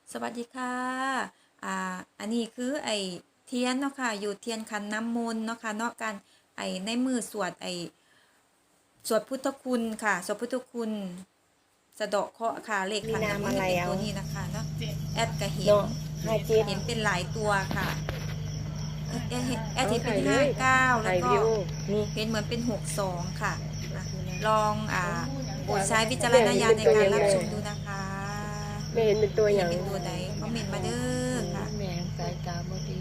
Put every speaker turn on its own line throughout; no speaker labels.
สวัสดีค่ะอันนี้คือไอเทียนเนาะค่ะอยู่เทียนขันน้ำมนต์เนาะค่ะเนาะการในมือสวดสวดพุทธคุณค่ะสวดพุทธคุณสะเดาะเคราะห์ค่ะเลขขันน้ำมนต์เป็นตัวนี้นะคะเนาะแอดก็เห็น
เนาะ57
เห็นเป็นหลายตัวค่ะแอดเห็นเป็น
ถ่ายเลย
59แล้วก็
ถ่ายวิวนี่
เห็นเหมือนเป็น62ค่ะลองโปรดใช้วิจารณญาณในการรับชมดูนะคะ
ไม่เห็นเป็นตัวอย่าง
เป็นตัวใดคอมเมนต์มาเด้อค่ะ
แม่สายตาบ่ดี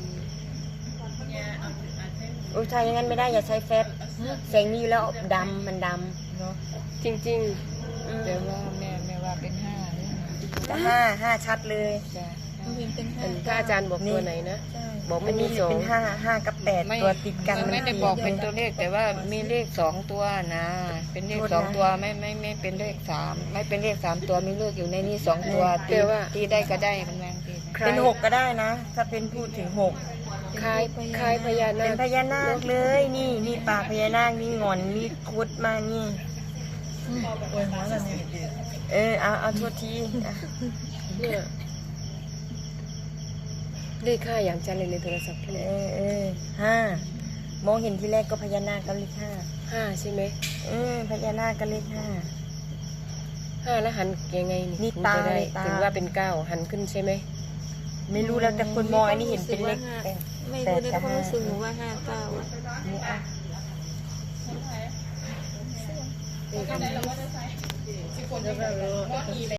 โอ้ใช่อย่างนั้นไม่ได้อย่าใช้แฟบแสงมีอยู่แล้วดำมันด
เนาะ
ำจริงๆ
แต่ว่าแม่ว่าเป็นห้าเนี่ย
แต่ห้าชัดเลย
จ้ะ
เห็นเป็นห้า
ถ้าอาจารย์บอกตัวไหนนะ
ใช่
บอกมันมี2 5กับ8ตัวติดกัน
ไม่ได้บอกเป็นตัวเลขแต่ว่ามีเลข2ตัวนะ เป็นเลข2ตัวไม่เป็นเลข3ไม่เป็นเลข3ตัวมีเลขอยู่ในนี้2ตัวตีได้ก็ได้มันแม่งตีนะ
เป็น6ก็ได้นะ ถ้าเป็นพูดถึง6
คล้ายพญานา
เป็น
ค
พญานาคเลยนี่ปากพญานาคนี่งอนนี่คุดมานี่เอาโทษทีอ่ะ
เนี่ยเลข5อย่างจันเลยในโทรศัพท์
5มองเห็นที่แรกก็พญานาคก็เลข
5ใช่ไหม
5พญานาคก็เลข
5แล้วหันยังไง
นี่
ถึง
ตา
จะได้
ตา
ถึงว่าเป็น9หันขึ้นใช่ไหม
5ไม่รู้แล้วแต่คนมองอันนี้เห็นเป็นเลข
ไม่
8
รู้ใน
กับ
ความรู้สึกหนู
5
ว่า59
นี่อ่ะ
แล้วก็